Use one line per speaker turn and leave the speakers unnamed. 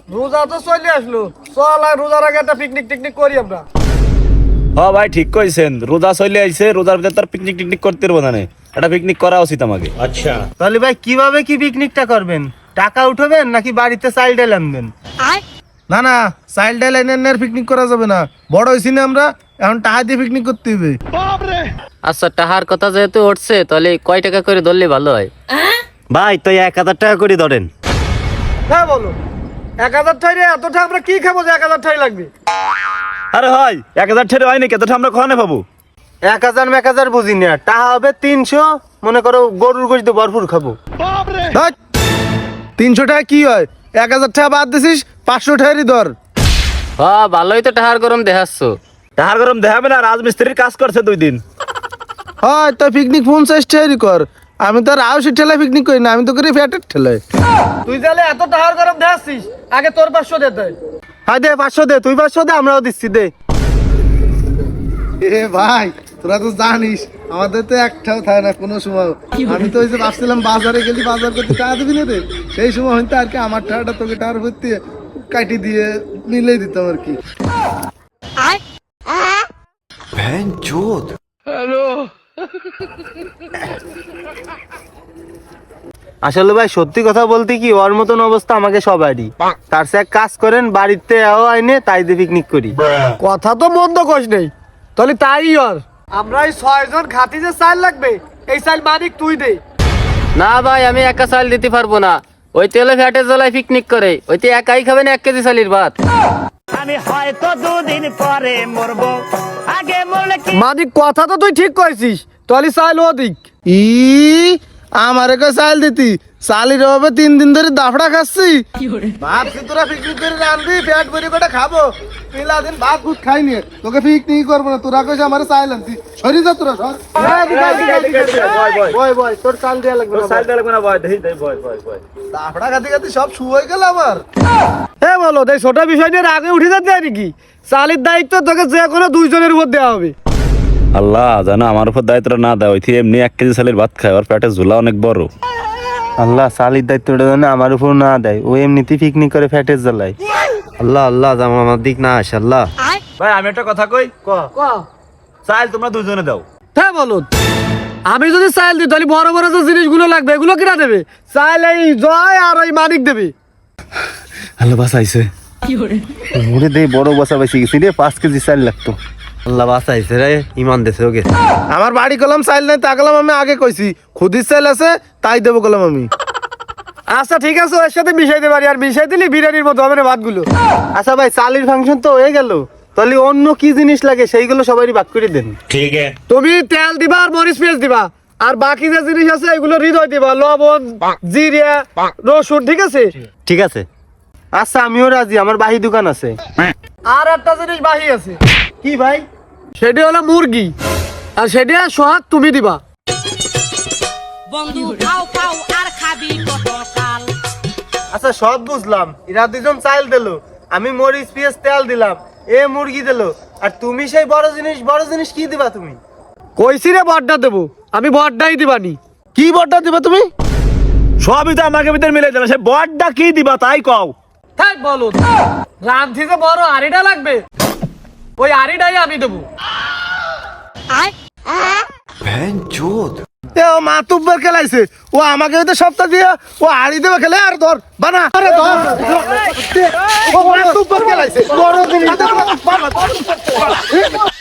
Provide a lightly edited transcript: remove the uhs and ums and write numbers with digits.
রোজা তো চলে আসলো, চল আর রোজার আগে একটা পিকনিক টিকনিক করি আমরা।
হ্যাঁ ভাই ঠিক কইছেন, রোজা চলে আইছে, রোজার ভিতরে তার পিকনিক টিকনিক করতে পারবো না, একটা পিকনিক করা উচিত আমাকে।
তাহলে ভাই কিভাবে কি পিকনিকটা করবেন? টাকা উঠাবেন নাকি বাড়িতে চাইল ডাল আনবেন?
না না, চাইল্ড লাইনের পিকনিক করা যাবে না, বড় হয়েছি না আমরা, এখন টাকা দিয়ে পিকনিক করতে হবে।
আচ্ছা টাহার কথা যেহেতু উঠছে তাহলে কয় টাকা করে ধরলে ভালো হয়?
ভাই তো 1000 টাকা করে ধরেন।
হ্যাঁ বলো, 1000 ঠাই রে, এতটা আমরা কি খাবো যে 1000 ঠাই লাগবে?
আরে হয় 1000 ছেড়ে হয় নাকি, এতটা আমরা কখনো পাবো?
1000 মেকাজার বুঝি না, টাকা হবে 300, মনে করো গরুর গোশত ভরপুর খাবো।
300 টাকা কি হয়? 1000 টাকা বাদ দিছিস, 500 টাকারই ধর।
হ্যাঁ ভালোই তো টাহার গরম দেখাচ্ছ।
টাহার গরম দেখাবে না, রাজমিস্ত্রির কাজ করছে 2 দিন।
হয় তো পিকনিক 50 টাকারই কর, আমি তো আর আউসি ঠেলায় পিকনিক করি না, আমি তো করি ফ্যাটের ঠেলায়।
তুই তাহলে এত টাকার গরম দেখাচ্ছিস, আগে তোর 500 দে তুই।
হ্যাঁ দে 500 দে, তুই 500 দে, আমরাও দিচ্ছি দে।
এ ভাই তোরা তো জানিস আমাদের তো একটাও থাকে না কোনো সময়। আমি তো ওই যে ভাবছিলাম বাজারে গেলি বাজার করতে টাকা দিবি না রে, সেই সময় হইতে আর কি আমার টাকাটা তোকে টাকার ভর্তি কাটি দিয়ে মিলেই দিতাম আর কি।
আসলে ভাই সত্যি কথা বলতে কি, ওর মতন অবস্থা আমাকে সবারই। তার সে এক কাজ করেন, বাড়িতে আইনে তাই দিয়ে পিকনিক করি।
কথা তো মন্দ কইস নেই, তাহলে তাই আর আমরা এই 6 জন খাতি যে চাল লাগবে, এই চাল মালিক তুই দে।
না ভাই আমি একা চাল দিতে পারবো না, ওই তেলে ফ্যাটে জ্বলাই পিকনিক করে, ওইতে একাই খাবেন 1 কেজি চালের ভাত।
মালিক কথা তো তুই ঠিক কইছিস, তাহলে চাল ওদিক।
ই আমার একা চাল দিতি, চালির অভাবে 3 দিন ধরে দাফড়া খাচ্ছি। ভাবছি তোরা পিকনিক করে রানবি, পেট ভরে করে খাবো, পিলা দিন ভাত ভুত খাইনি, তোকে পিকনিক করবো না, তোরা কইস আমার চাল আনতি, সরি যা তোরা সর।
বয় বয়, তোর চাল দেয়া লাগবে না।
চাল দেওয়া লাগবে না, ভয় দেই দেই, ভয় ভয় ভয়।
দাফড়া খাতে খাতে সব শুয়ে গেল আমার।
হ্যাঁ বলো, এই ছোট বিষয় নিয়ে আগে উঠে যেতে হয় নাকি? চালের দায়িত্ব তোকে যে কোনো 2 জনের উপর দেওয়া হবে।
আল্লাহ জানো আমার উপর দায়িত্বটা না দেয়, ওইથી এমনি 1 কেজি চালের ভাত খায়, আর পেটে ঝোলা অনেক বড়।
আল্লাহ চালির দায়িত্বটা যেন আমার উপর না দেয়, ও এমনিতেই পিকনিক করে ফ্যাটের জ্বালায়। আল্লাহ আল্লাহ যেন আমার দিক না আসে। আল্লাহ
ভাই আমি একটা কথা কই,
ক
চাল তোমরা 2 জনে দাও।
হ্যাঁ বলো, আমি যদি চাল দিই তাহলে বড় বড় যে জিনিসগুলো লাগবে এগুলো কিনা দেবে? চাল এই জয় আর ওই মানিক দেবে।
আল্লাহ বাঁচাইছে,
মুড়ে দেই বড় বসা বেশি গেছি রে, 5 কেজি চাল লাগতো। আল্লাহ বাঁচাইছে রে, ইমান দেশে ওকে।
আমার বাড়ি কলাম চাইল নাই, তা কলাম আমি আগে কইছি, খুদির চাইল আছে তাই দেবো কলাম আমি।
আচ্ছা ঠিক আছে, ওর সাথে মিশাই দে পারি, আর মিশাই দিলি বিরিয়ানির মতো হবে না ভাতগুলো।
আচ্ছা ভাই চালির ফাংশন তো হয়ে গেল, তাহলে অন্য কি জিনিস লাগে সেইগুলো সবারই ভাগ করে দেন।
তুমি তেল দিবা আর মরিচ পেঁয়াজ দিবা, আর বাকি যে জিনিস আছে এগুলো হৃদয় দিবা, লবণ জিরা রসুন, ঠিক আছে?
ঠিক আছে। আচ্ছা আমিও রাজি, আমার বাহি দোকান আছে।
আর একটা জিনিস বাকি আছে,
কি ভাই?
সেটি হলো মুরগি, আর সেটা সোহাগ তুমি দিবা।
বন্ধু খাও খাও আর খাবি কত কাল।
আচ্ছা সব বুঝলাম, এরা 2 জন চাল দিল, আমি মরিচ পেঁয়াজ তেল দিলাম, এ মুরগি দিল, আর তুমি সেই বড় জিনিস কি দিবা তুমি?
কইছি রে বড়টা দেবো, আমি বড়টাই দিবানি।
কি বড়টা দিবা তুমি?
সবই তো আমাকে ভিতরে মিলে দিল, সে বড়টা কি দিবা তাই কও।
তাই বলো, রাঁধতে যে বড় আড়িটা লাগবে, ওই আড়িটাই আমি দেবো।
এ ও মাতুব্বর খেলাইছে, ও আমাকে হয়তো সপ্তাহ দিয়ে ও হাড়ি দেবে খেলে, আর ধর বানা আরে ধর, ও মাতুব্বর খেলাইছে বড় জিনিস